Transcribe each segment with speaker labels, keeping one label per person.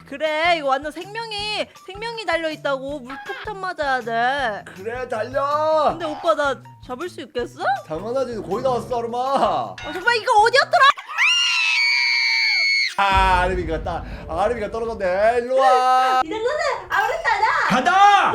Speaker 1: 그래, 이거 완전 생명이 달려있다고. 물폭탄 맞아야 돼.
Speaker 2: 그래 달려.
Speaker 1: 근데 오빠 나 잡을 수 있겠어?
Speaker 2: 당연하지. 거의 다 왔어 아르마.
Speaker 1: 정말 이거 어디였더라?
Speaker 2: 아르미가 떨어졌네. 일로와.
Speaker 1: 이 정도는 아무렇다나.
Speaker 2: 간다.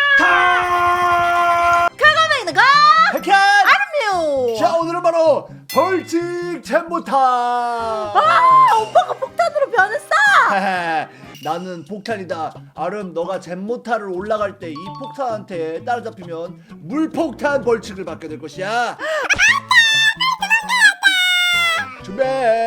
Speaker 1: 가가메이는 가!
Speaker 2: 백현.
Speaker 1: 아름요!
Speaker 2: 자 오늘은 바로 벌칙 잼모타.
Speaker 1: 오빠가 폭탄으로 변했어!
Speaker 2: 나는 폭탄이다. 아름 너가 잼모타를 올라갈 때 이 폭탄한테 따라잡히면 물폭탄 벌칙을 받게 될 것이야. 준비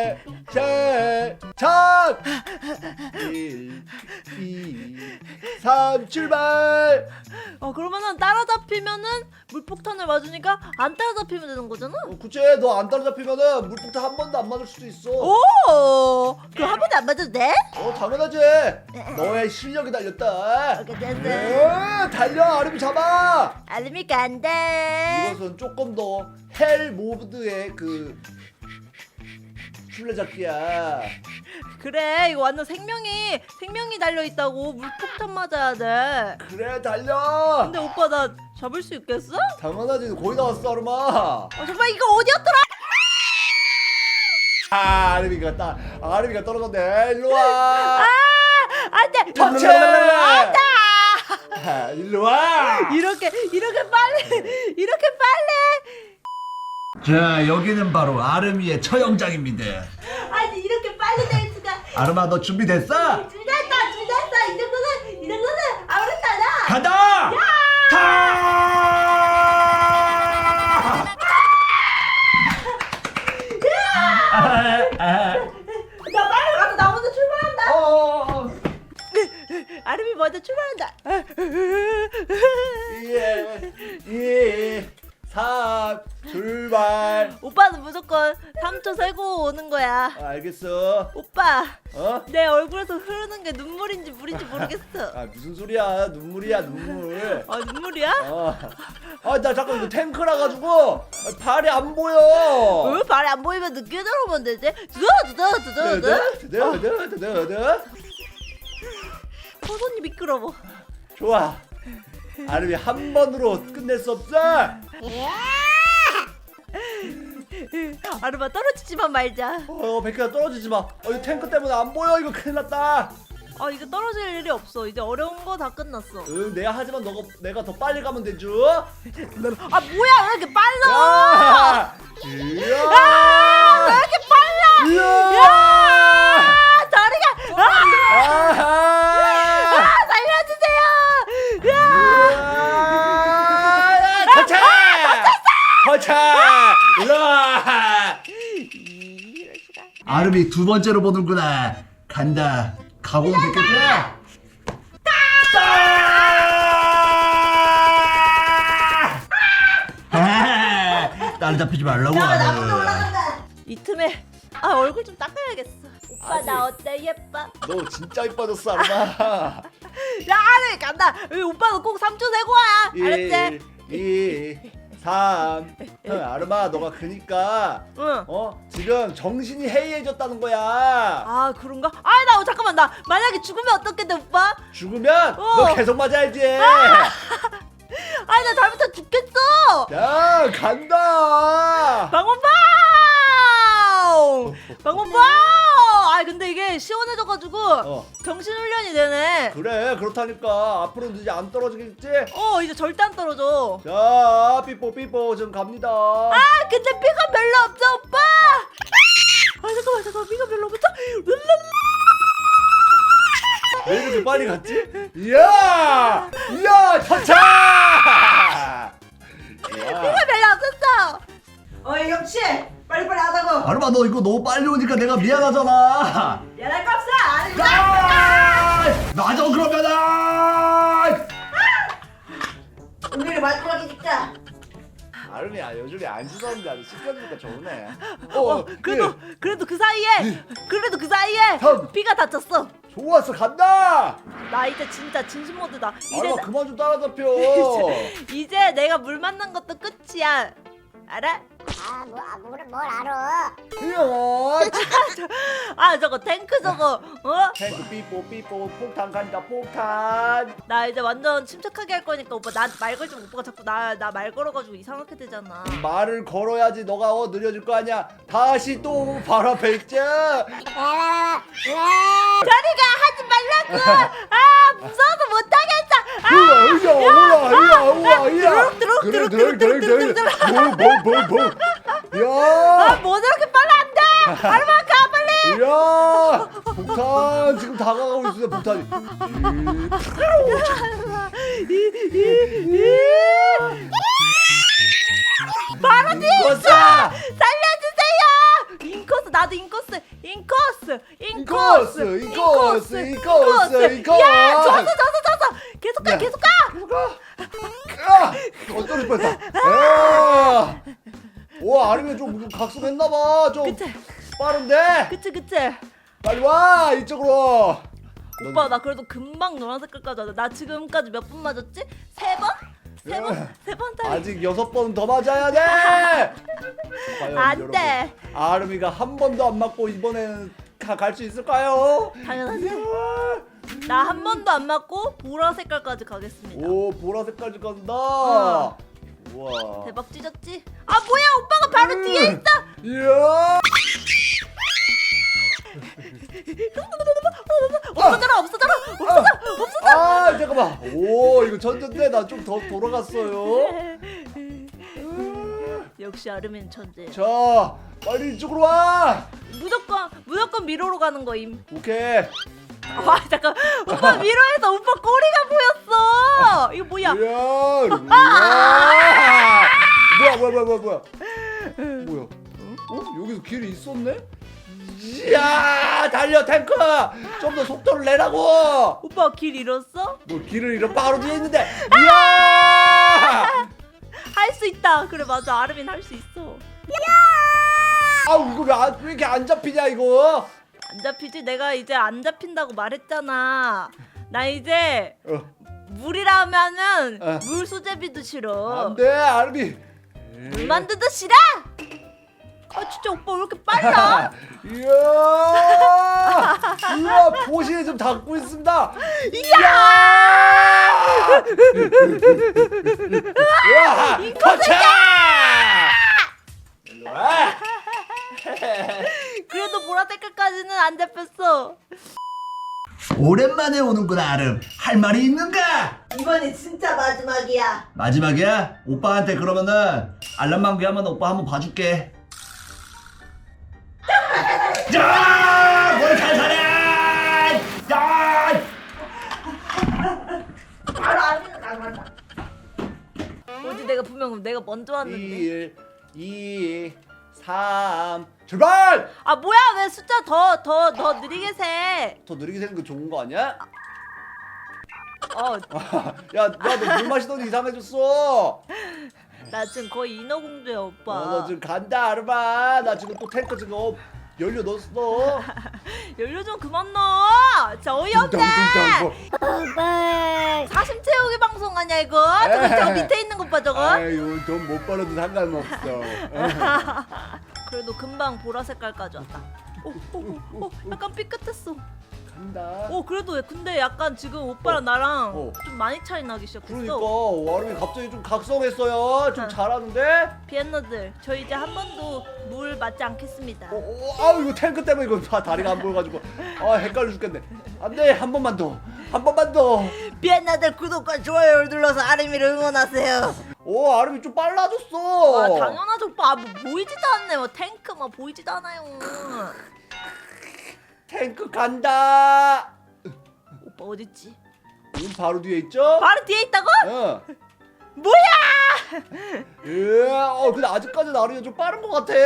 Speaker 2: 시작. 1 2 3 출발.
Speaker 1: 그러면은 따라잡히면은 물폭탄을 맞으니까 안 따라잡히면 되는 거잖아?
Speaker 2: 그치. 너 안 따라잡히면은 물폭탄 한 번도 안 맞을 수도 있어.
Speaker 1: 오! 그럼 한 번도 안 맞아도 돼?
Speaker 2: 당연하지. 너의 실력이 달렸다.
Speaker 1: 오케이, 됐어.
Speaker 2: 달려. 아름이 잡아.
Speaker 1: 알림이 간대.
Speaker 2: 이것은 조금 더 헬 모드의 그 술래잡기야.
Speaker 1: 그래, 이거 완전 생명이 달려있다고. 물폭탄 맞아야 돼.
Speaker 2: 그래 달려.
Speaker 1: 근데 오빠 나 잡을 수 있겠어?
Speaker 2: 당연하지. 거의 다 왔어 아르마.
Speaker 1: 정말 이거 어디였더라?
Speaker 2: 아르미가 떨어졌네. 일로와.
Speaker 1: 안돼!
Speaker 2: 터치.
Speaker 1: 안돼!
Speaker 2: 일로와.
Speaker 1: 이렇게 빨리!
Speaker 2: 자 여기는 바로 아르미의 처형장입니다.
Speaker 1: 아니 이렇게 빨리 될 수가.
Speaker 2: 아르마 너 준비됐어?
Speaker 1: 준비됐어. 이 정도는 아무렇다나.
Speaker 2: 간다.
Speaker 1: 나 빨리 가서 나 먼저 출발한다. 아름이 먼저 출발한다.
Speaker 2: 2 3 출발.
Speaker 1: 오빠는 무조건 3초 세고 오는 거야.
Speaker 2: 알겠어.
Speaker 1: 오빠,
Speaker 2: 내
Speaker 1: 얼굴에서 흐르는 게 눈물인지 물인지 모르겠어.
Speaker 2: 무슨 소리야. 눈물이야 눈물.
Speaker 1: 눈물이야?
Speaker 2: 나 잠깐 이거 탱크라 가지고 발이 안 보여.
Speaker 1: 왜 발이 안 보이면 늦게 들어오면 되지? 손이 미끄러워.
Speaker 2: 좋아. 아름이 한 번으로 끝낼 수 없어.
Speaker 1: 아르마 떨어지지만 말자.
Speaker 2: 백현아 떨어지지 마. 이 탱크 때문에 안 보여. 이거 큰일 났다.
Speaker 1: 이거 떨어질 일이 없어. 이제 어려운 거 다 끝났어.
Speaker 2: 내가 하지만 내가 더 빨리 가면 되죠.
Speaker 1: 뭐야 왜 이렇게 빨라?
Speaker 2: 이야.
Speaker 1: 왜 이렇게 빨라?
Speaker 2: 이야.
Speaker 1: 다리가 살려주세요.
Speaker 2: 거차! 일로와! 아름이 두 번째로 보는구나. 간다. 각오는 됐겠지? 딸 잡히지 말라고.
Speaker 1: 이 틈에 얼굴 좀 닦아야겠어. 오빠
Speaker 2: 아직.
Speaker 1: 나 어때? 예뻐?
Speaker 2: 너 진짜 이뻐졌어, 아름아.
Speaker 1: 야 아르 간다. 오빠도 꼭 3초 세고 와. 알았지?
Speaker 2: 2 3 아름아 너가 크니까
Speaker 1: 응.
Speaker 2: 지금 정신이 해이해졌다는 거야.
Speaker 1: 그런가? 나 잠깐만. 나 만약에 죽으면 어떻겠대 오빠?
Speaker 2: 죽으면 너 계속 맞아야지.
Speaker 1: 나 잘못하면 죽겠어.
Speaker 2: 야 간다.
Speaker 1: 방원방! 근데 이게 시원해져가지고 정신훈련이 되네.
Speaker 2: 그래 그렇다니까. 앞으로는 이제 안 떨어지겠지?
Speaker 1: 이제 절대 안 떨어져.
Speaker 2: 자 삐뽀 지금 갑니다.
Speaker 1: 근데 피가 별로 없어 오빠. 잠깐만 피가 별로 없어.
Speaker 2: 왜 이렇게 빨리 갔지? 이야 터차.
Speaker 1: 피가 별로 없었어. 역시 빨리빨리 하자고.
Speaker 2: 아름아 너 이거 너무 빨리 오니까 내가 미안하잖아.
Speaker 1: 미안할 거 없어.
Speaker 2: 맞아 그러면은
Speaker 1: 오늘이 마지막이니까.
Speaker 2: 아름이야 요즘에 안 씻었는데 아주 씻겨주니까 좋네.
Speaker 1: 그래도 그 사이에
Speaker 2: 다음.
Speaker 1: 피가 다쳤어.
Speaker 2: 좋았어 간다.
Speaker 1: 나 이제 진짜 진심 모드다.
Speaker 2: 아름아 그만 좀 따라잡혀.
Speaker 1: 이제 내가 물 만난 것도 끝이야. 알아?
Speaker 3: 뭘 알아?
Speaker 2: 야,
Speaker 1: 아 저거 탱크 저거
Speaker 2: 탱크 삐뽀 폭탄 간다 폭탄.
Speaker 1: 나 이제 완전 침착하게 할 거니까 오빠 나 말 걸 좀 오빠가 자꾸 나 말 걸어가지고 이상하게 되잖아.
Speaker 2: 말을 걸어야지 너가 느려질 거 아니야. 다시 또 바로 앞에 있자.
Speaker 3: 왜?
Speaker 1: 저리가 하지 말라고. 아 무서워서 못하겠어.
Speaker 2: 야,
Speaker 1: 뭐 저렇게 빨리 안 돼. 아르마 가 빨리.
Speaker 2: 야, 폭탄 지금 다가가고 있어. 폭탄이.
Speaker 1: 바로 뒤에
Speaker 2: 인코스!
Speaker 1: 살려주세요. 인코스 나도 인코스. 야 졌어. 계속 가.
Speaker 2: 어쩌릴 뻔했다. 와, 아니면 좀 각성했나봐. 좀
Speaker 1: 그치
Speaker 2: 빠른데.
Speaker 1: 그치.
Speaker 2: 빨리 와 이쪽으로.
Speaker 1: 오빠 나 그래도 금방 노란 색깔까지 왔어. 나 지금까지 몇 번 맞았지? 세 번? 세 번 따위.
Speaker 2: 아직 6번 더 맞아야 돼. 과연
Speaker 1: 안
Speaker 2: 여러분,
Speaker 1: 돼.
Speaker 2: 아름이가 한 번도 안 맞고 이번에는 갈 수 있을까요?
Speaker 1: 당연하지. 나 한 번도 안 맞고 보라 색깔까지 가겠습니다.
Speaker 2: 오, 보라색까지 간다. 우와.
Speaker 1: 대박 찢었지? 아 뭐야 오빠가 바로 뒤에 있어.
Speaker 2: 이야.
Speaker 1: 없어져라.
Speaker 2: 아, 잠깐만. 오, 이거 천재인데 나 좀 더 돌아갔어요.
Speaker 1: 역시 아르민 천재.
Speaker 2: 자, 빨리 이쪽으로 와.
Speaker 1: 무조건 미로로 가는 거임.
Speaker 2: 오케이.
Speaker 1: 와 잠깐 오빠 미로에서 오빠 꼬리가 보였어. 이거 뭐야?
Speaker 2: 뭐야? 여기서 길이 있었네? 이야, 달려 탱크! 좀 더 속도를 내라고!
Speaker 1: 오빠 길 잃었어?
Speaker 2: 뭐 길을 잃어 바로 뒤에 있는데. 이야!
Speaker 1: 할 수 있다. 그래 맞아 아르민 할 수 있어.
Speaker 2: 아우, 이거 왜 이렇게 안 잡히냐 이거?
Speaker 1: 안 잡히지? 내가 이제 안 잡힌다고 말했잖아. 나 이제 물이라면은 물 수제비도 싫어.
Speaker 2: 안돼, 아르비.
Speaker 1: 물 만두도 싫어. 아 진짜 오빠 왜 이렇게 빨라?
Speaker 2: 이야, 보시에 좀 닿고 있습니다. 이야! 우와, 터차! 일로 와.
Speaker 1: 그래도 보라 색깔까지는 안 잡혔어.
Speaker 2: 오랜만에 오는구나, 아름. 할 말이 있는가?
Speaker 1: 이번이 진짜 마지막이야.
Speaker 2: 마지막이야? 오빠한테 그러면은 알람만 귀하면 오빠 한번 봐줄게. 야! 뭘 살살해! 야!
Speaker 1: 바로 아르민은 나간다. 어디 내가 분명 내가 먼저 왔는데.
Speaker 2: 1, 2, 3, 출발!
Speaker 1: 아 뭐야 왜 숫자 더 느리게 세?
Speaker 2: 더 느리게 되는 거 좋은 거 아니야?
Speaker 1: 어
Speaker 2: 야, 너 물 마시더니 이상해졌어.
Speaker 1: 나 지금 거의 인어공주야 오빠.
Speaker 2: 너 지금 간다, 아르마. 나 지금 또 탱크 지금 연료 넣었어.
Speaker 1: 연료 좀 그만 넣어. 진짜 어이없네.
Speaker 3: 오빠.
Speaker 1: 사심 채우기 방송 아니야 이거? 저 밑에 있는 것 봐 저거.
Speaker 2: 아유, 돈 못 벌어도 상관없어.
Speaker 1: 그래도 금방 보라 색깔까지 왔다. 오, 약간 삐끗했어.
Speaker 2: 간다.
Speaker 1: 그래도 근데 약간 지금 오빠랑 나랑
Speaker 2: 어.
Speaker 1: 좀 많이 차이 나기 시작했어.
Speaker 2: 그러니까 와름이 갑자기 좀 각성했어요. 좀 잘하는데?
Speaker 1: 비엔너들 저 이제 한 번도 물 맞지 않겠습니다.
Speaker 2: 아우, 이거 탱크 때문에 이거 다리가 안 보여가지고 헷갈려 죽겠네. 안돼, 한 번만 더.
Speaker 1: 비엔너들 구독과 좋아요를 눌러서 아르미를 응원하세요.
Speaker 2: 오, 아름이 좀 빨라졌어.
Speaker 1: 아 당연하죠 오빠. 뭐 보이지도 않네. 뭐 탱크 막 보이지도 않아요.
Speaker 2: 탱크 간다.
Speaker 1: 오빠 어딨지?
Speaker 2: 지금 바로 뒤에 있죠?
Speaker 1: 바로 뒤에 있다고?
Speaker 2: 어.
Speaker 1: 뭐야?
Speaker 2: 근데 아직까지 아름이가 좀 빠른 것 같아.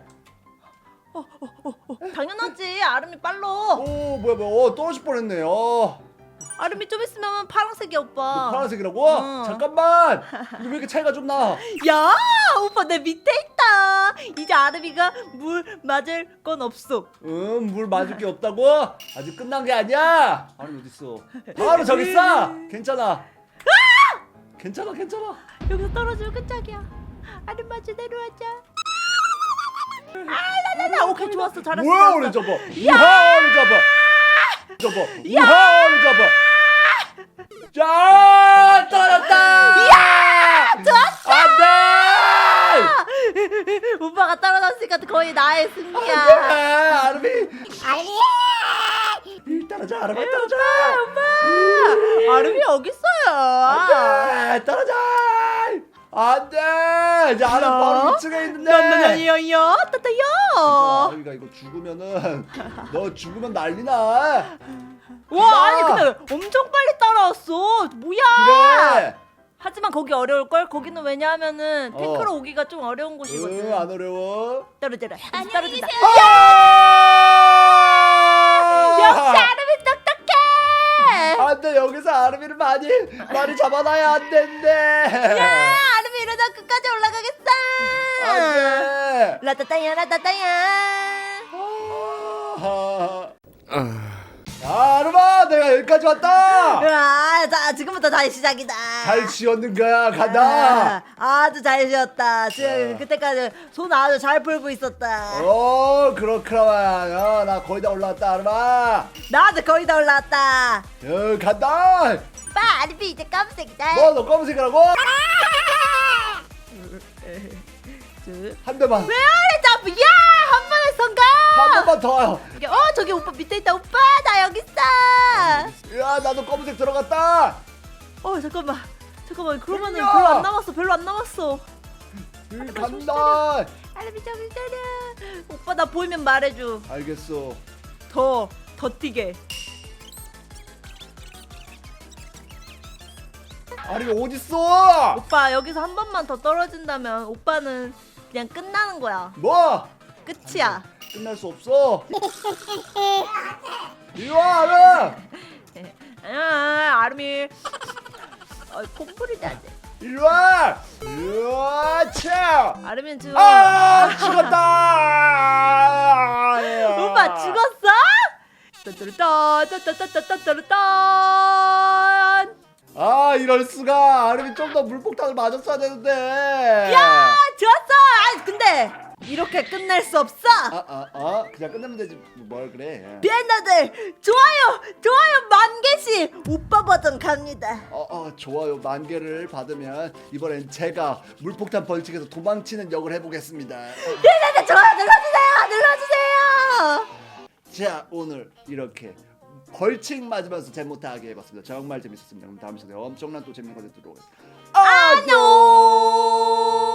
Speaker 1: 당연하지. 아름이 빨라.
Speaker 2: 오, 뭐야, 떨어질 뻔했네.
Speaker 1: 아름이 좀 있으면 파란색이야 오빠.
Speaker 2: 너 파란색이라고? 잠깐만. 이거 왜 이렇게 차이가 좀 나?
Speaker 1: 야 오빠 내 밑에 있다. 이제 아름이가 물 맞을 건 없어.
Speaker 2: 물 맞을 게 없다고? 아직 끝난 게 아니야. 아니, 어딨어? 바로 저기 있어. 괜찮아. 괜찮아.
Speaker 1: 여기서 떨어지면 끝장이야. 아름아 제대로 하자. 나 오케이 좋았어 잘했어.
Speaker 2: 뭐야
Speaker 1: 잘했어.
Speaker 2: 오늘 저거 우하를 잡아 저거 우하를 잡아 자 떨어졌다
Speaker 1: 야 좋았어.
Speaker 2: 안돼
Speaker 1: 오빠가 떨어졌으니까 거의 나의 승리야.
Speaker 2: 아름이
Speaker 3: 아니
Speaker 2: 떨어져 아름아 떨어져
Speaker 1: 아름이 여기 있어요.
Speaker 2: 안돼 떨어져 안돼 이제 아름 바로 2층에 있는데
Speaker 1: 야야야야 따따야.
Speaker 2: 아름이가 이거 죽으면은 너 죽으면 난리나
Speaker 1: 와 아니 근데 엄청 빨리 따라왔어. 뭐야?
Speaker 2: 그래
Speaker 1: 하지만 거기 어려울 걸. 거기는 왜냐하면은 탱크로 오기가 좀 어려운 곳이거든.
Speaker 2: 안 어려워
Speaker 1: 떨어져라. 떨어진다.
Speaker 2: 아!
Speaker 1: 역시 아름이 똑똑해.
Speaker 2: 안돼 여기서 아름이를 많이 잡아놔야 안 된대
Speaker 1: 야 아름이 이러다 끝까지 올라가겠어.
Speaker 2: 안돼
Speaker 1: 라따따야 라따따야.
Speaker 2: 아름아 내가 여기까지 왔다
Speaker 1: 아, 자 지금부터 다시 시작이다.
Speaker 2: 잘 지었는 거야 간다
Speaker 1: 아주 잘 지었다. 지금 그때까지 손 아주 잘 풀고 있었다.
Speaker 2: 그렇구나 나 거의 다 올라왔다 아름아
Speaker 1: 나도 거의 다 올라왔다.
Speaker 2: 간다
Speaker 1: 오빠 아름이 이제 검색이다.
Speaker 2: 너 검은색이라고? 한 대만
Speaker 1: 왜 아래 잡고 야한 번에 성공.
Speaker 2: 한 대만 더
Speaker 1: 저기 오빠 밑에 있다. 오빠 나 여기 있어.
Speaker 2: 야 나도 검은색 들어갔다
Speaker 1: 잠깐만 그러면은
Speaker 2: 야!
Speaker 1: 별로 안 남았어.
Speaker 2: 간다
Speaker 1: 아름이 좀 기다려. 오빠 나 보이면 말해줘.
Speaker 2: 알겠어
Speaker 1: 더 튀게.
Speaker 2: 아름이 어딨어
Speaker 1: 오빠 여기서 한 번만 더 떨어진다면 오빠는 그냥 끝나는 거야.
Speaker 2: 뭐
Speaker 1: 끝이야.
Speaker 2: 끝날 수 없어 이리와 아름
Speaker 1: 아름이 콧물이 나네.
Speaker 2: 이리와 으아차
Speaker 1: 아름이는 지금
Speaker 2: 죽었다
Speaker 1: 오빠 죽었어? 따따따따따따따따따따.
Speaker 2: 이럴 수가 아름이 좀 더 물폭탄을 맞았어야 되는데
Speaker 1: 야 좋았어. 근데 이렇게 끝낼 수 없어.
Speaker 2: 그냥 끝내면 되지 뭘 그래
Speaker 1: 비엔나들 좋아요 10,000개씩 오빠 버전 갑니다.
Speaker 2: 좋아요 10,000개를 받으면 이번엔 제가 물폭탄 벌칙에서 도망치는 역을 해보겠습니다
Speaker 1: 비엔나들 좋아요 눌러주세요.
Speaker 2: 자 오늘 이렇게 벌칙 맞으면서 잼 못하게 해봤습니다 정말 재밌었습니다 그럼 다음 시간에 엄청난 또 재밌는 컨텐츠로 오겠습니다 안녕